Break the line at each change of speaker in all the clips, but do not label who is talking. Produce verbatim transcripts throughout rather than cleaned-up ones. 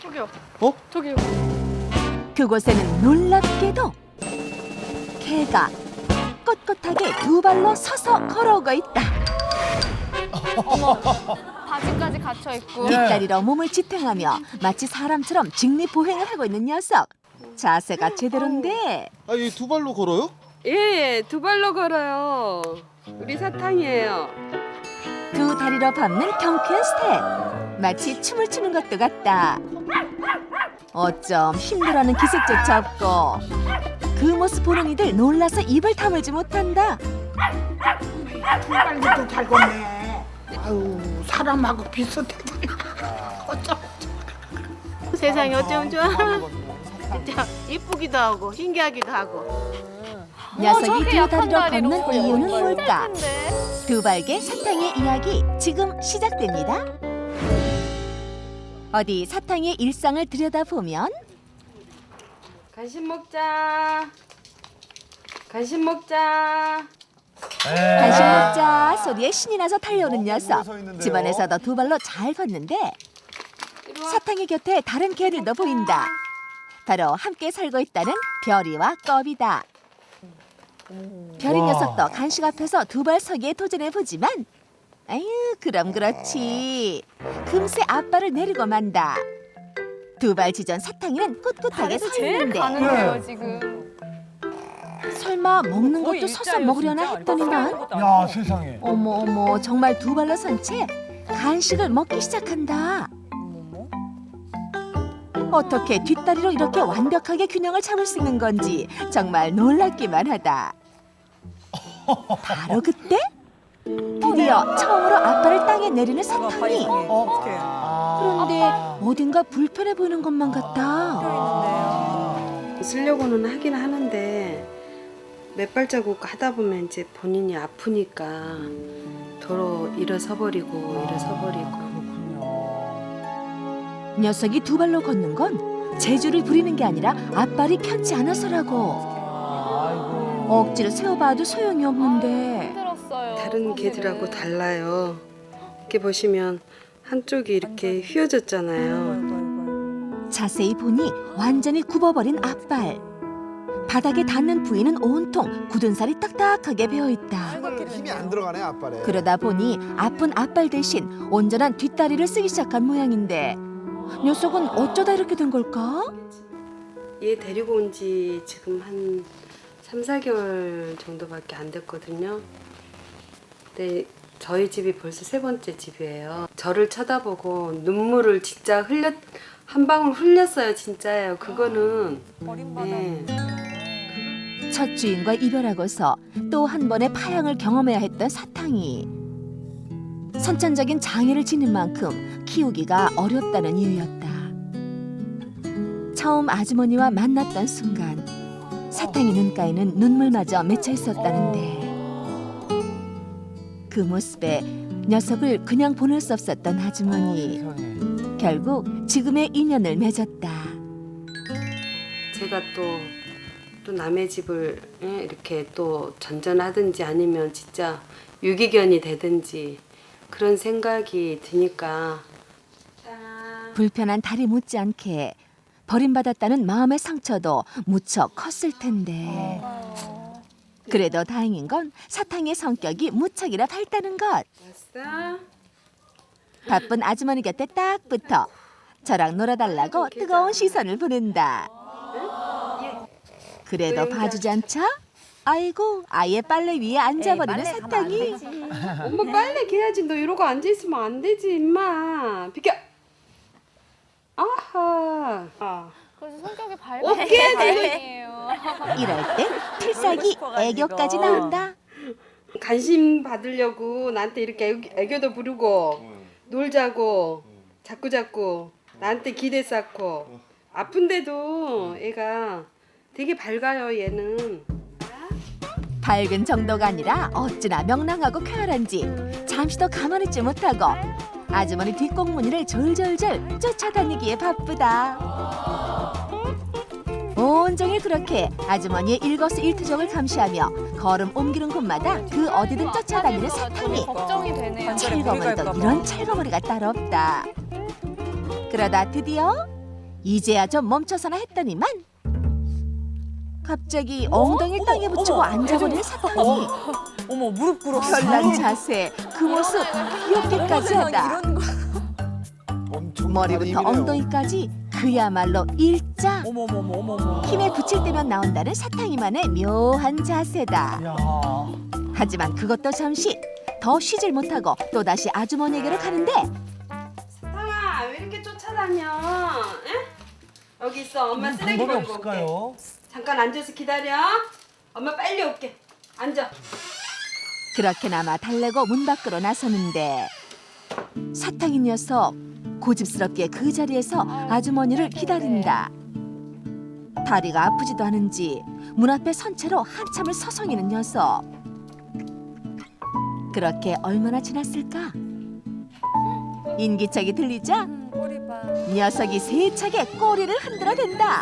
저기요.
어?
저기요.
그곳에는 놀랍게도 개가 꼿꼿하게 두 발로 서서 걸어오고 있다.
어머. 바지까지 갇혀 있고.
뒷다리로 몸을 지탱하며 마치 사람처럼 직립보행을 하고 있는 녀석. 자세가 제대로인데
아, 이 두 발로 걸어요?
예, 두 발로 걸어요. 우리 사탕이에요.
두 다리로 밟는 경쾌한 스텝. 마치 춤을 추는 것도 같다. 어쩜 힘들어하는 기색조차 없고 그 모습 보는 이들 놀라서 입을 다물지 못한다.
빨리도 잘 걷네. 아유 사람하고 비슷하구나. 어쩜
세상이 어쩜 좋아. 진짜 이쁘기도 하고 신기하기도 하고.
녀석이
저렇게
두
약한
다리로
다리로
걷는 이유는 뭘까?
근데
두 발개 사탕의 이야기 지금 시작됩니다. 어디 사탕의 일상을 들여다보면
간식 먹자. 간식 먹자.
간식 먹자 소리에 신이 나서 달려오는 녀석.
서 있는데요?
집안에서도 두 발로 잘 걷는데
이리 와.
사탕의 곁에 다른 개들도 보인다. 바로 함께 살고 있다는 별이와 껍이다. 별이
와.
녀석도 간식 앞에서 두 발 서기에 도전해 보지만 아유 그럼 그렇지. 금세 앞발을 내리고 만다. 두 발 지전 사탕이는 꿋꿋하게 서
제일
있는데
가는데요 지금.
설마 먹는
거의
것도 서서
일자예요,
먹으려나
진짜.
했더니만
야,
세상에.
어머 어머 정말 두 발로 선 채 간식을 먹기 시작한다. 어떻게 뒷다리로 이렇게 완벽하게 균형을 잡을 수 있는 건지 정말 놀랍기만 하다. 바로 그때 드디어 처음으로 앞발을 땅에 내리는 사탕이.
어떡해.
그런데 어딘가 불편해 보이는 것만 같다.
쓰려고는 하긴 하는데 몇 발자국 하다 보면 이제 본인이 아프니까 도로 일어서 버리고 일어서 버리고.
녀석이 두 발로 걷는 건 재주를 부리는 게 아니라 앞발이 편치 않아서라고. 억지로 세워봐도 소용이 없는데
힘들었어요.
다른
사실은.
개들하고 달라요. 이렇게 보시면 한쪽이 이렇게 휘어졌잖아요.
자세히 보니 완전히 굽어버린 앞발. 바닥에 닿는 부위는 온통 굳은 살이 딱딱하게 배어있다.
힘이 안 들어가네, 앞발에.
그러다 보니 아픈 앞발 대신 온전한 뒷다리를 쓰기 시작한 모양인데 녀석은 어쩌다 이렇게 된 걸까?
얘 데리고 온 지 지금 한 삼, 사 개월 정도밖에 안 됐거든요. 근데 저희 집이 벌써 세 번째 집이에요. 저를 쳐다보고 눈물을 진짜 흘렸 한 방울 흘렸어요. 진짜예요. 그거는 네.
첫 주인과 이별하고서 또 한 번의 파양을 경험해야 했던 사탕이 선천적인 장애를 지닌 만큼 키우기가 어렵다는 이유였다. 처음 아주머니와 만났던 순간 사탕이 눈가에는 눈물마저 맺혀 있었다는데 그 모습에 녀석을 그냥 보낼 수 없었던 아주머니. 결국 지금의 인연을 맺었다.
제가 또, 또 남의 집을 예, 이렇게 또 전전하든지 아니면 진짜 유기견이 되든지 그런 생각이 드니까
불편한 다리 못지않게 버림받았다는 마음의 상처도 무척 컸을 텐데 그래도 다행인 건 사탕의 성격이 무척이나 밝다는 것.
왔어?
바쁜 아주머니 곁에 딱 붙어 저랑 놀아달라고 뜨거운 시선을 보낸다. 그래도 봐주지 않자? 아이고 아예 빨래 위에 앉아버리는 사탕이.
엄마 빨래 개야지. 너 이러고 앉아있으면 안 되지 임마. 비켜. 아하. 아.
그래서 성격이 밝은
어깨
다행이에요.
이럴 땐 필살기 애교까지 나온다.
관심 받으려고 나한테 이렇게 애교, 애교도 부르고 놀자고 자꾸 자꾸 나한테 기대 쌓고 아픈데도 애가 되게 밝아요. 얘는.
밝은 정도가 아니라 어찌나 명랑하고 쾌활한지 잠시도 가만히 있지 못하고 아주머니 뒷공무니를 졸졸졸 쫓아다니기에 바쁘다. 온종일 그렇게 아주머니의 일거수일투족을 감시하며 걸음 옮기는 곳마다 그 어디든 쫓아다니는 사탕이.
걱정이 되네요.
찰거머리도 이런 찰거머리가 따로 없다. 그러다 드디어 이제야 좀 멈춰서나 했더니만 갑자기 엉덩이를 땅에 붙이고 앉아버린 사탕이.
어머 무릎 꿇어.
별난 자세, 그 모습 귀엽게까지 하다.
엄청
머리부터 엉덩이까지 그야말로 일자.
어머 어머 어머 어머.
힘에 붙일 때면 나온다는 사탕이만의 묘한 자세다.
야.
하지만 그것도 잠시. 더 쉬질 못하고 또다시 아주머니에게로 가는데
사탕아 왜 이렇게 쫓아다녀? 에? 여기 있어. 엄마 쓰레기
방법이
버리고 올게.
없을까요?
잠깐 앉아서 기다려. 엄마 빨리 올게. 앉아.
그렇게나마 달래고 문 밖으로 나서는데 사탕인 녀석 고집스럽게 그 자리에서 아주머니를 기다린다. 다리가 아프지도 않은지 문 앞에 선 채로 한참을 서성이는 녀석. 그렇게 얼마나 지났을까? 인기척이 들리자 녀석이 세차게 꼬리를 흔들어댄다.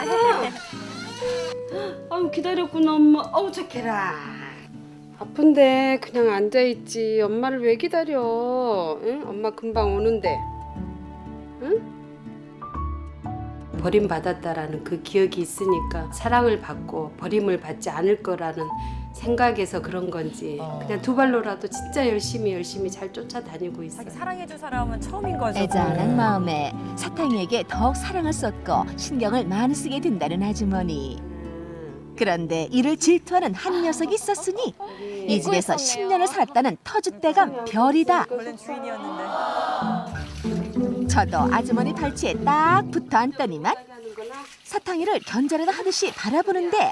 아유 기다렸구나 엄마. 어우 착해라. 아픈데 그냥 앉아있지. 엄마를 왜 기다려? 응? 엄마 금방 오는데. 응? 버림받았다라는 그 기억이 있으니까 사랑을 받고 버림을 받지 않을 거라는 생각에서 그런 건지 그냥 두 발로라도 진짜 열심히 열심히 잘 쫓아다니고 있어요.
사랑해줄 사람은 처음인 거죠.
애잔한 마음에 사탕이에게 더욱 사랑을 쏟고 신경을 많이 쓰게 된다는 아주머니. 그런데 이를 질투하는 한 녀석이 있었으니 이 집에서 십 년을 살았다는 터줏대감 별이다.
원래 주인이었는데.
저도 아주머니 팔찌에 딱 붙어 앉더니만 사탕이를 견제라도 하듯이 바라보는데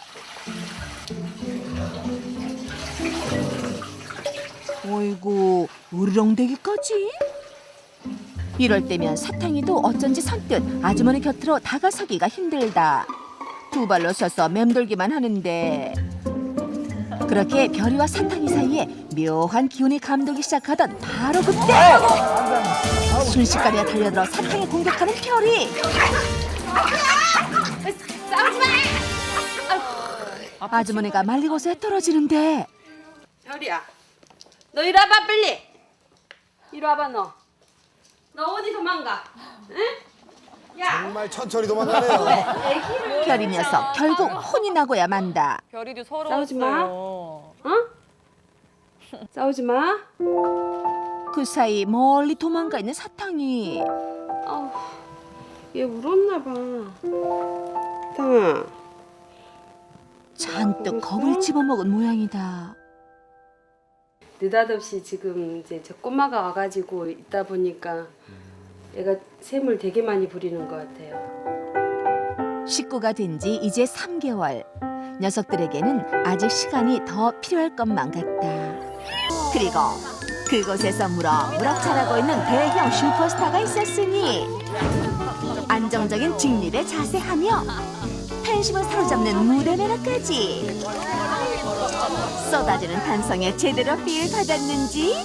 어이구 으르렁대기까지? 이럴 때면 사탕이도 어쩐지 선뜻 아주머니 곁으로 다가서기가 힘들다. 두 발로 서서 맴돌기만 하는데 그렇게 별이와 사탕이 사이에 묘한 기운이 감돌기 시작하던 바로 그때 순식간에 달려들어 사탕을 공격하는 별이. 아주머니가 말리고서 떨어지는데
별이야, 너 이리 와봐 빨리. 이리 와봐 너. 너 어디 도망가? 응? 야.
정말 천천히 도망가네요.
별이 녀석 결국 혼이 나고야 만다.
별이도
싸우지 마.
서러웠어요.
어? 싸우지 마.
그 사이 멀리 도망가 있는 사탕이
아우, 얘 울었나 봐. 사탕아.
잔뜩 겁을 집어먹은 모양이다.
느닷없이 지금 이제 저 꼬마가 와가지고 있다 보니까 얘가 샘을 되게 많이 부리는 것 같아요.
식구가 된 지 이제 삼 개월. 녀석들에게는 아직 시간이 더 필요할 것만 같다. 그리고 그곳에서 무럭무럭 자라고 있는 대형 슈퍼스타가 있었으니 안정적인 직립에 자세하며 팬심을 사로잡는 무대 매너까지 쏟아지는 탄성에 제대로 필 받았는지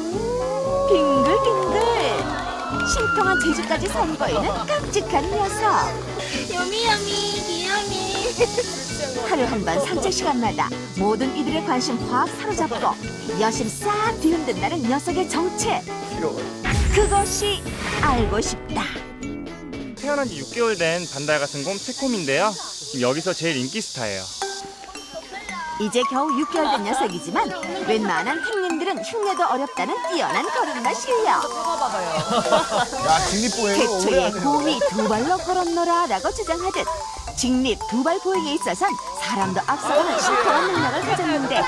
빙글빙글 신통한 재주까지 선보이는 깜찍한 녀석.
여미여미 귀여미.
하루 한 번 산책 시간마다 모든 이들의 관심 확 사로잡고 여심 싹 뒤흔든다는 녀석의 정체. 그것이 알고 싶다.
태어난 지 육 개월 된 반달 같은 곰 새콤인데요. 지금 여기서 제일 인기 스타예요.
이제 겨우 육 개월 된 녀석이지만 웬만한 행님들은 흉내도 어렵다는 뛰어난 걸음마 실력.
야, 직립보행을 오래
태초에
하네요.
곰이 두 발로 걸었노라 라고 주장하듯 직립 두 발 보행에 있어선 사람도 앞서가는 신통한 능력을 가졌는데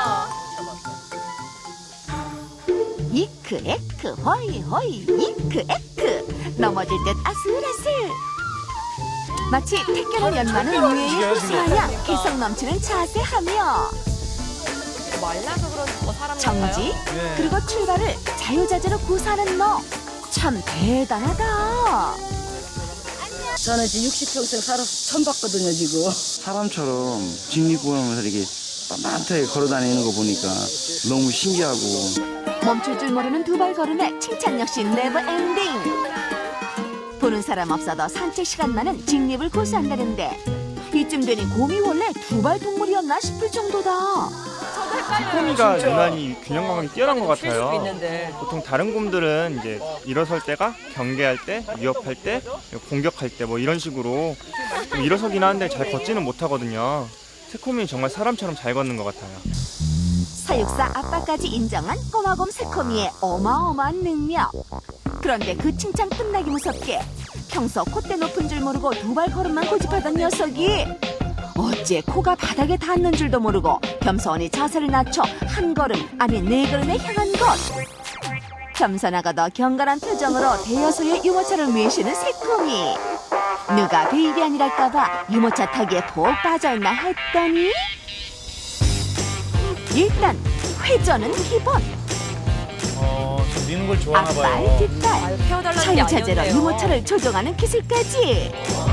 이크 에크 호이 호이 이크 에크 넘어질 듯 아슬아슬 마치 택견을 연마는 유해의 호수마냥 개성 넘치는 자세하며
말라서 그런 뭐 사람
정지
네.
그리고 출발을 자유자재로 구사하는 너 참 대단하다.
저는 지금 육십 평생 살아서 처음 봤거든요, 지금.
사람처럼 직립보행을 이렇게 빳빳하게 걸어다니는 거 보니까 너무 신기하고
멈출 줄 모르는 두 발 걸음에 칭찬 역시 네버 엔딩. 보는 사람 없어도 산책 시간만은 직립을 고수한다는데 이쯤 되니 곰이 원래 두 발 동물이었나 싶을 정도다.
새코미가 유난히 균형 감각이 뛰어난 것
쉴 수도
같아요.
있는데.
보통 다른 곰들은 이제 일어설 때가 경계할 때, 위협할 때, 공격할 때 뭐 이런 식으로 좀 일어서긴 하는데 잘 걷지는 못하거든요. 새코미는 정말 사람처럼 잘 걷는 것 같아요.
사육사 아빠까지 인정한 꼬마곰 새코미의 어마어마한 능력. 그런데 그 칭찬 끝나기 무섭게 평소 콧대 높은 줄 모르고 두 발 걸음만 고집하던 녀석이 어째 코가 바닥에 닿는 줄도 모르고 겸손히 자세를 낮춰 한 걸음 아니 네 걸음에 향한 것. 겸손하고도 경건한 표정으로 대여소의 유모차를 미시는 새코미. 누가 베이비 아니랄까봐 유모차 타기에 푹 빠져있나 했더니 일단 회전은 기본.
어, 저 미는 걸 좋아하나
앞발
봐요.
뒷발
태워달라는 게
차유차제로
아니었네요.
유모차를 조종하는 기술까지.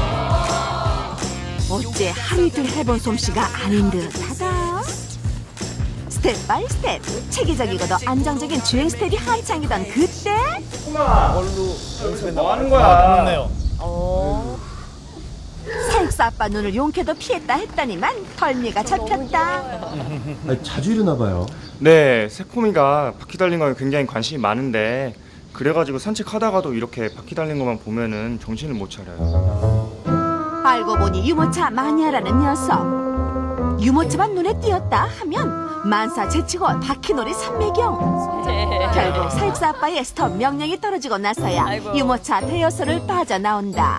어째 하루 이틀 해본 솜씨가 아닌 듯하다. 스텝 바이 스텝 체계적이고도 안정적인 주행 스텝이 한창이던 그때
걸로 연습했나
뭐 하는
봐요.
거야?
아, 그렇네요.
어.
사육사 아빠 눈을 용케도 피했다 했더니만 덜미가 잡혔다.
아니, 자주 일어나 봐요.
네, 새코미가 바퀴 달린 거에 굉장히 관심이 많은데 그래가지고 산책하다가도 이렇게 바퀴 달린 것만 보면은 정신을 못 차려요.
알고 보니 유모차 마니아라는 녀석. 유모차만 눈에 띄었다 하면 만사 제치고 바퀴놀이 삼매경. 결국 사육사 아빠의 스톱 명령이 떨어지고 나서야
아이고.
유모차 대여소를 빠져나온다.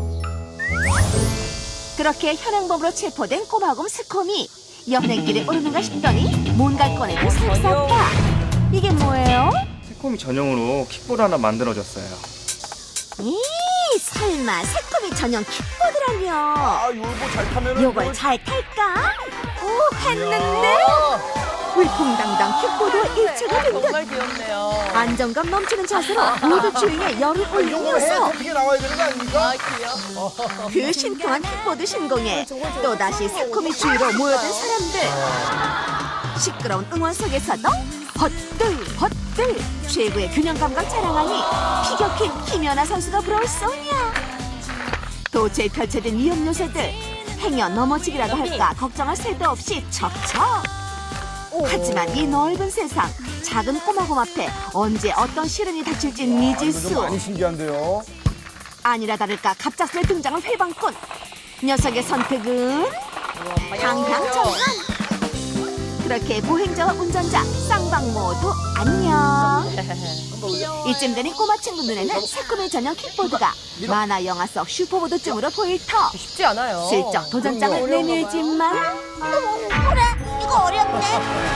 그렇게 현행범으로 체포된 꼬마곰 새코미. 연행길에 오르는가 싶더니 뭔가를 꺼내는 사육사 아빠. 이게 뭐예요?
새코미 전용으로 킥보드 하나 만들어줬어요.
이 설마 새코미 전용 킥보드라뇨.
아, 요거 잘 타면은
요걸 잘 탈까? 오 했는데 위풍당당 킥보드 일체가 된 듯.
정말 귀엽네요.
안정감 넘치는 자세로 모두 주행에 열을 올린
요거 해
녀석.
어떻게 나와야 되는 거 아닙니까?
아, 귀여워.
그 신통한 킥보드 신공에 또다시 새코미 주위로 모여든 사람들. 시끄러운 응원 속에서도 헛들 헛들 최고의 균형 감각 자랑하니 피격힌 김연아 선수가 부러울 소냐. 도처에 펼쳐진 위험 요소들 행여 넘어지기라도 할까 걱정할 새도 없이 척척. 하지만 이 넓은 세상 작은 꼬마곰 앞에 언제 어떤 시련이 닥칠진
좀
미지수.
많이 신기한데요.
아니라 다를까 갑작스레 등장한 회방꾼. 녀석의 선택은 방향정한. 그렇게 보행자와 운전자 쌍방 모두 안녕. 이쯤 되니 꼬마 친구 눈에는 새콤의 전용 킥보드가 만화 영화 속 슈퍼보드쯤으로 보일 터.
쉽지 않아요.
슬쩍 도전장을 내밀지만 그래 이거 어렵네.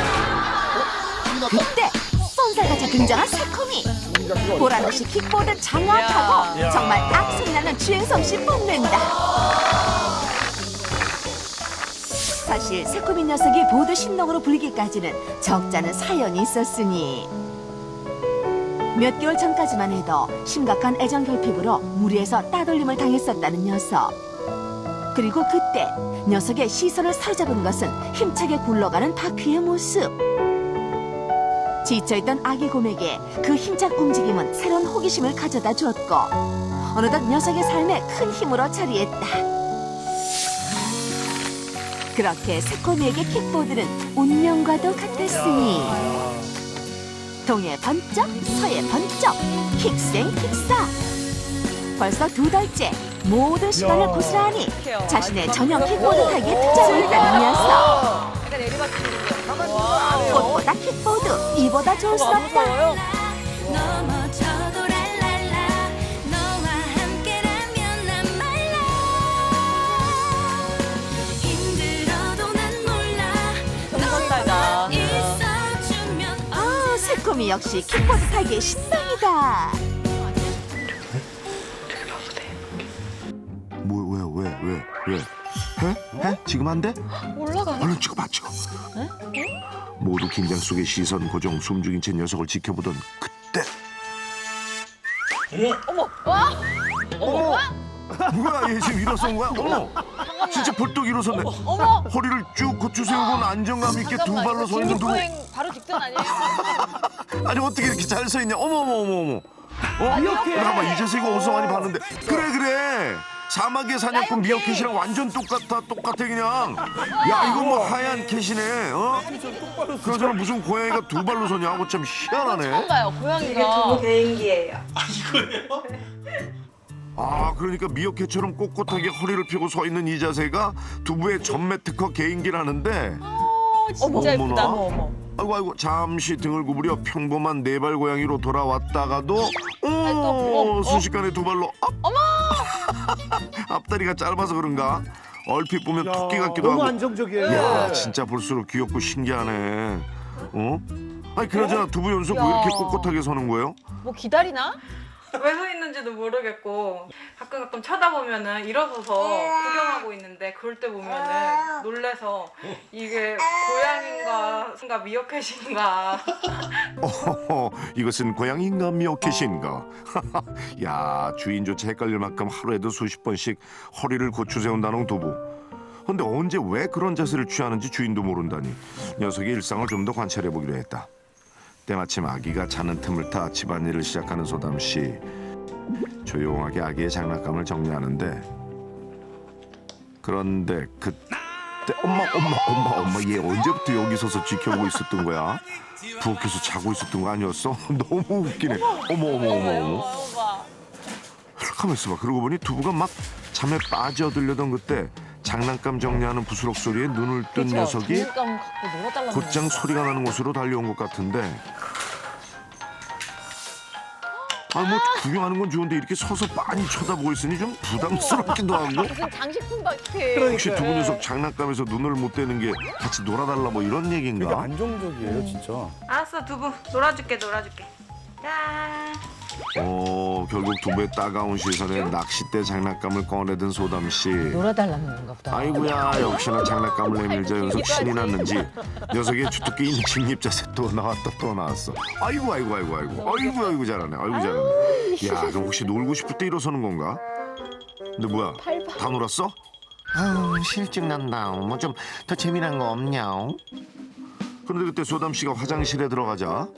그때 쏜살같이 등장한 새콤이. 보란듯이 킥보드 장악하고
야.
정말 악소리나는 주행 솜씨 뽐낸다. 사실 새콤이 녀석이 보드 신동으로 불리기까지는 적잖은 사연이 있었으니 몇 개월 전까지만 해도 심각한 애정 결핍으로 무리해서 따돌림을 당했었다는 녀석. 그리고 그때 녀석의 시선을 사로잡은 것은 힘차게 굴러가는 바퀴의 모습. 지쳐있던 아기 곰에게 그 힘찬 움직임은 새로운 호기심을 가져다 주었고 어느덧 녀석의 삶에 큰 힘으로 자리했다. 그렇게 새코미에게 킥보드는 운명과도 같았으니 동해 번쩍 서해 번쩍 킥생 킥사. 벌써 두 달째 모든 시간을 고스란히 자신의 전용 킥보드 타기에 투자하고 있다는 녀석.
약간 내리막길인데.
꽃보다 킥보드 이보다 좋을 수 없다.
무서워요?
넘어져도 랄랄라 너와 함께라면 난 말라 힘들어도 난 몰라
성선달다.
있어주면
아 새콤이 역시 킥보드 타기에 신당이다.
뭐, 왜, 왜, 왜, 왜? 해? 해? 지금 안 돼?
올라가.
얼른 찍어봐, 찍어. 모두 긴장 속에 시선 고정, 숨죽인 채 녀석을 지켜보던 그때.
어머.
뭐야, 얘 지금 일어선 거야? 어머, 진짜 벌떡 일어섰네.
어머.
허리를 쭉 고추 세우고는 안정감 있게 두 발로 서 있는 누구?
바로 직전 아니에요?
아니 어떻게 이렇게 잘 서 있냐? 어머, 어머, 어머, 어머. 어? 잠깐만, 이제서 이거 어디서 많이 봤는데. 그래, 그래. 사막의 사냥꾼 미어캣이랑 완전 똑같아 똑같아 그냥. 야 이거 뭐 하얀 캣이네. 어? 그러잖아 무슨 고양이가 두 발로 서냐고 참 희한하네.
처음 봐요,
이게
고양이가.
두부 개인기예요.
아 그러니까 미어캣처럼 꼿꼿하게 허리를 펴고 서 있는 이 자세가 두부의 전매 특허 개인기라는데.
진짜 예쁘다.
어머나. 아이고 아이고 잠시 등을 구부려 평범한 네발 고양이로 돌아왔다가도 오 순식간에 두 발로 앞. 어머. 앞다리가 짧아서 그런가? 얼핏 보면
야,
토끼 같기도
너무
하고.
안정적이에요.
야 진짜 볼수록 귀엽고 신기하네. 어? 아니 그러잖아 두부 연속 왜
야.
이렇게 꼿꼿하게 서는 거예요?
뭐 기다리나?
왜 서 있는지도 모르겠고 가끔 가끔 쳐다보면은 일어서서 구경하고 있는데 그럴 때 보면은 놀래서 이게 고양인가 뭔가 미어캣인가.
어허허, 이것은 고양이인가 미어캣인가? 야 주인조차 헷갈릴 만큼 하루에도 수십 번씩 허리를 고추 세운다는 두부. 근데 언제 왜 그런 자세를 취하는지 주인도 모른다니. 녀석의 일상을 좀 더 관찰해 보기로 했다. 때마침 아기가 자는 틈을 타 집안일을 시작하는 소담 씨. 조용하게 아기의 장난감을 정리하는데 그런데 그때 엄마 엄마 엄마 엄마 얘 언제부터 여기 서서 지켜보고 있었던 거야? 부엌에서 자고 있었던 거 아니었어? 너무 웃기네. 어머 어머 어머 어머. 가만 있어봐. 그러고 보니 두부가 막 잠에 빠져들려던 그때 장난감 정리하는 부스럭 소리에 눈을 뜬
그쵸?
그렇죠.
녀석이
장난감 갖고 놀아달라는
곧장
거야.
소리가 나는 곳으로 달려온 것 같은데 아 뭐 구경하는 건 좋은데 이렇게 서서 빤히 쳐다보고 있으니 좀 부담스럽기도 하고
무슨 장식품 같아.
혹시 두부 녀석 장난감에서 눈을 못 떼는 게 같이 놀아달라 뭐 이런
되게
얘기인가?
안정적이에요, 진짜.
알았어 두부 놀아줄게 놀아줄게. 짠.
어 결국 두부의 따가운 시선에 낚싯대 장난감을 꺼내든 소담씨.
놀아달라는 건가 보다.
아이고야 역시나 장난감을 내밀자 연속 신이 났는지 녀석의 주특기인 직립자세 또 나왔다 또 나왔어. 아이고 아이고 아이고 아이고 아이고 아이고 잘하네 아이고 잘하네. 야 그럼 혹시 놀고 싶을 때 일어서는 건가? 근데 뭐야 다 놀았어? 아우 실증 난다. 뭐 좀 더 재미난 거 없냐? 그런데 그때 소담 씨가 화장실에 들어가자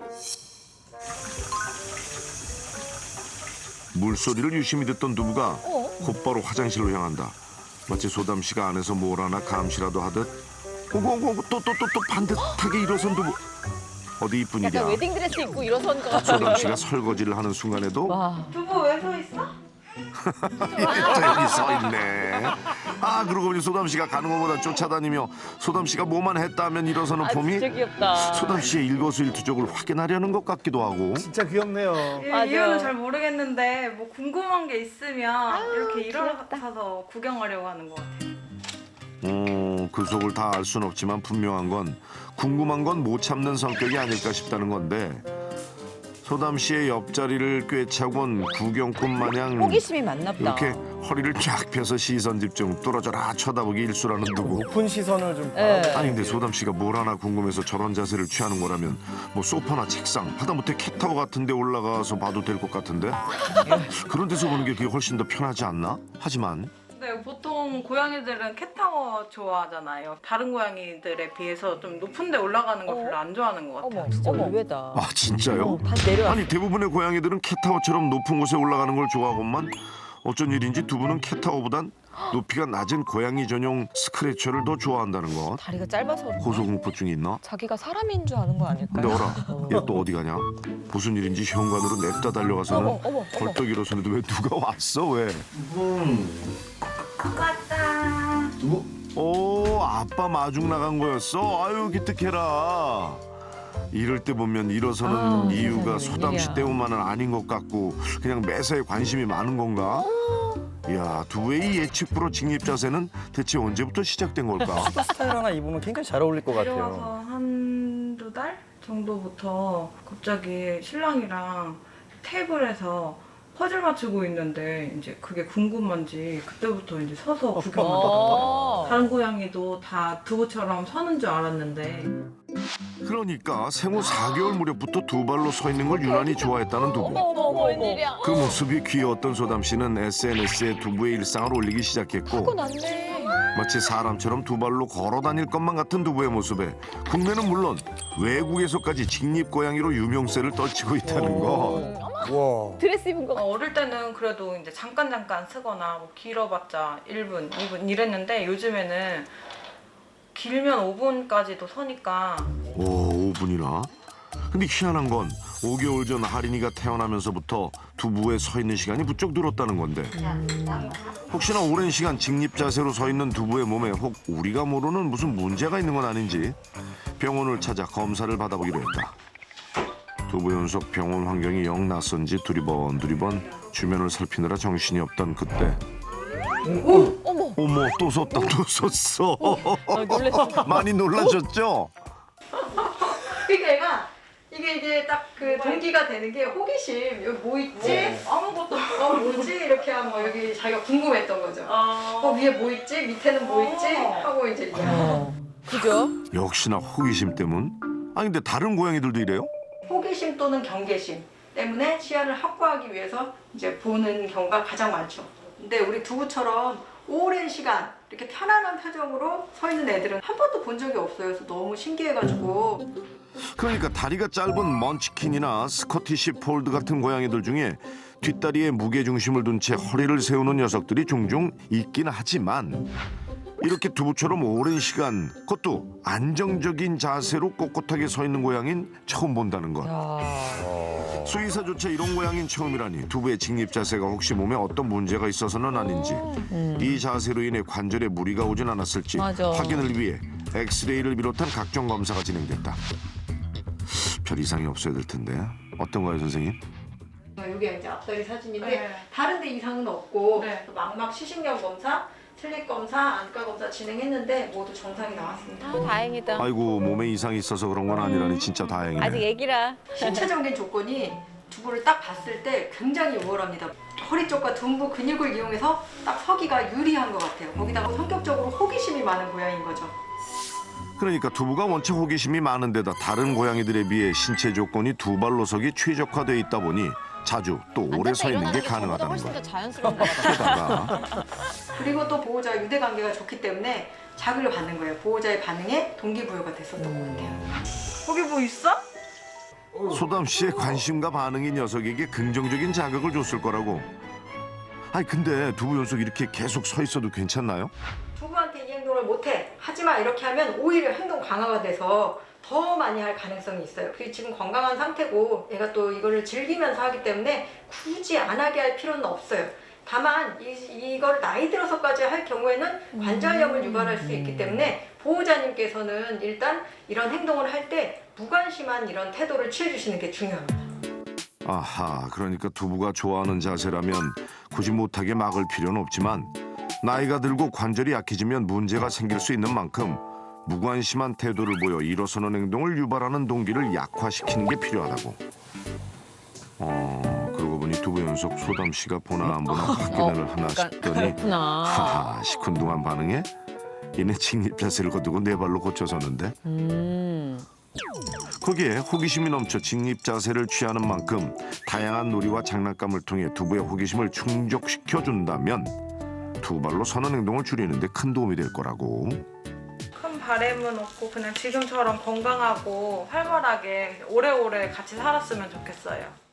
물소리를 유심히 듣던 두부가 곧바로 화장실로 향한다. 마치 소담 씨가 안에서 뭘 하나 감시라도 하듯 오고오고 또 또 또 또 반듯하게 일어선 두부. 어디 이쁜 일이야.
약간 웨딩드레스 입고 일어선 것 같아.
소담 씨가 설거지를 하는 순간에도
와.
두부 왜 서 있어?
또 여기 서 있네. 아 그러고 보니 소담 씨가 가는 것보다 쫓아다니며 소담 씨가 뭐만 했다면 일어서는
아
폼이
진짜 귀엽다.
소담 씨의 일거수일투족을 확인하려는 것 같기도 하고.
진짜 귀엽네요.
이-
맞아.
이유는 잘 모르겠는데 뭐 궁금한 게 있으면 이렇게 일어서서 구경하려고 하는 것 같아요.
어, 그 속을 다 알 순 없지만 분명한 건 궁금한 건 못 참는 성격이 아닐까 싶다는 건데 소담 씨의 옆자리를 꿰차곤 구경꾼 마냥
호기심이 많나 보다.
이렇게 허리를 쫙 펴서 시선 집중 뚫어져라 쳐다보기 일수라는 두부.
높은 시선을 좀
예.
바라보고.
아니 근데 소담 씨가 뭘 하나 궁금해서 저런 자세를 취하는 거라면 뭐 소파나 책상 하다못해 캣타워 같은 데 올라가서 봐도 될 것 같은데 그런 데서 보는 게 그게 훨씬 더 편하지 않나? 하지만
네, 보통 고양이들은 캣타워 좋아하잖아요. 다른 고양이들에 비해서 좀 높은 데 올라가는 걸 별로 안 좋아하는 것 같아요.
어머, 진짜 의외다.
아 진짜요?
다시 내려와.
아니 대부분의 고양이들은 캣타워처럼 높은 곳에 올라가는 걸 좋아하건만 어쩐 일인지 두 분은 캣타워보단 높이가 낮은 고양이 전용 스크래처를 더 좋아한다는 것.
다리가 짧아서 그런가?
고소공포증이 있나?
자기가 사람인 줄 아는 거 아닐까요?
근데 어라 얘 또 어디 가냐? 무슨 일인지 현관으로 냅다 달려가서는
어머, 어머, 어머.
벌떡 일어서는데 왜 누가 왔어 왜?
왔다.
오 아빠 마중 나간 거였어? 아유 기특해라. 이럴 때 보면 일어서는
아,
이유가
세상에,
소담 씨
웬일이야.
때문만은 아닌 것 같고 그냥 매사에 관심이 많은 건가? 이야 두부의 이 예측 불허 직립 자세는 대체 언제부터 시작된 걸까?
스타일 하나 입으면 굉장히 잘 어울릴 것
데려와서
같아요.
한두 달 정도부터 갑자기 신랑이랑 테이블에서 퍼즐 맞추고 있는데 이제 그게 궁금한지 그때부터 이제 서서 구경하더라고요.
어.
다른 고양이도 다 두부처럼 서는 줄 알았는데
그러니까 생후 사 개월 무렵부터 두 발로 서 있는 걸 유난히 좋아했다는 두부.
어머 어머 어머 웬일이야.
그 모습이 귀여웠던 소담 씨는 에스엔에스에 두부의 일상을 올리기 시작했고
하고 났네.
마치 사람처럼 두 발로 걸어 다닐 것만 같은 두부의 모습에 국내는 물론 외국에서까지 직립 고양이로 유명세를 떨치고 있다는 것.
와.
드레스 입은 거
어, 어릴 때는 그래도 이제 잠깐 잠깐 쓰거나 뭐 길어봤자 일 분, 이 분 이랬는데 요즘에는 길면 오 분까지도 서니까.
오, 오 분이나? 근데 희한한 건 오 개월 전 하린이가 태어나면서부터 두부에 서 있는 시간이 부쩍 늘었다는 건데 혹시나 오랜 시간 직립 자세로 서 있는 두부의 몸에 혹 우리가 모르는 무슨 문제가 있는 건 아닌지 병원을 찾아 검사를 받아보기로 했다. 두부 연속 병원 환경이 영 낯선지 두리번 두리번 주변을 살피느라 정신이 없던 그때
어머.
어머 또 섰다 또 섰어.
아, 놀랬어.
많이 놀라셨죠?
그러니까 얘가 이게 이제 딱 그 동기가 되는 게 호기심. 여기 뭐 있지? 아무것도 어 뭐지? 이렇게 하면 뭐 여기 자기가 궁금했던 거죠. 어 위에 뭐 있지? 밑에는 뭐 있지? 하고 이제
어. 그죠?
역시나 호기심 때문? 아니 근데 다른 고양이들도 이래요?
호기심 또는 경계심 때문에 시야를 확보하기 위해서 이제 보는 경우가 가장 많죠. 근데 우리 두부처럼 오랜 시간 이렇게 편안한 표정으로 서 있는 애들은 한 번도 본 적이 없어요. 그래서 너무 신기해가지고.
그러니까 다리가 짧은 먼치킨이나 스코티시 폴드 같은 고양이들 중에 뒷다리에 무게중심을 둔 채 허리를 세우는 녀석들이 종종 있긴 하지만 이렇게 두부처럼 오랜 시간 그것도 안정적인 자세로 꼿꼿하게 서 있는 고양이는 처음 본다는 것. 수의사조차 이런 고양이는 처음이라니 두부의 직립 자세가 혹시 몸에 어떤 문제가 있어서는 아닌지 이 자세로 인해 관절에 무리가 오진 않았을지
맞아.
확인을 위해 엑스레이를 비롯한 각종 검사가 진행됐다. 별 이상이 없어야 될 텐데 어떤가요 선생님?
여기 이제 앞다리 사진인데
네.
다른데 이상은 없고
네.
망막 시신경 검사, 슬립 검사, 안과 검사 진행했는데 모두 정상이 나왔습니다.
아, 다행이다.
아이고 몸에 이상이 있어서 그런 건 아니라니 진짜 다행이네.
아직 애기라.
신체적인 조건이 두부를 딱 봤을 때 굉장히 우월합니다. 허리 쪽과 둔부 근육을 이용해서 딱 서기가 유리한 것 같아요. 거기다가 성격적으로 호기심이 많은 고양이인 거죠.
그러니까 두부가 원체 호기심이 많은 데다 다른 고양이들에 비해 신체 조건이 두 발로 서기 최적화되어 있다 보니 자주 또 오래 서 있는 게 가능하다는
훨씬
것.
더 자연스러운 것 같아.
게다가
그리고 또 보호자 유대 관계가 좋기 때문에 자극을 받는 거예요. 보호자의 반응에 동기부여가 됐었던 것 같아요. 거기 뭐 있어?
소담 씨의 관심과 반응이 녀석에게 긍정적인 자극을 줬을 거라고. 아니 근데 두부 연속 이렇게 계속 서 있어도 괜찮나요?
두부한테 이 행동을 못해 하지마 이렇게 하면 오히려 행동 강화가 돼서 더 많이 할 가능성이 있어요. 그게 지금 건강한 상태고 얘가 또 이거를 즐기면서 하기 때문에 굳이 안 하게 할 필요는 없어요. 다만 이, 이걸 나이 들어서까지 할 경우에는 관절염을 유발할 수 있기 때문에 보호자님께서는 일단 이런 행동을 할 때 무관심한 이런 태도를 취해주시는 게 중요합니다.
아하, 그러니까 두부가 좋아하는 자세라면 굳이 못하게 막을 필요는 없지만 나이가 들고 관절이 약해지면 문제가 생길 수 있는 만큼 무관심한 태도를 보여 일어서는 행동을 유발하는 동기를 약화시키는 게 필요하다고. 어, 그러고 보니 두부 연속 소담 씨가 보나 안 보나 확인을 하나 싶더니
그렇구나.
하하, 시큰둥한 반응에 이내 직립 자세를 거두고 네 발로 고쳐서는데
음.
거기에 호기심이 넘쳐 직립 자세를 취하는 만큼 다양한 놀이와 장난감을 통해 두부의 호기심을 충족시켜준다면 두 발로 서는 행동을 줄이는 데 큰 도움이 될 거라고.
큰 바램은 없고 그냥 지금처럼 건강하고 활발하게 오래오래 같이 살았으면 좋겠어요.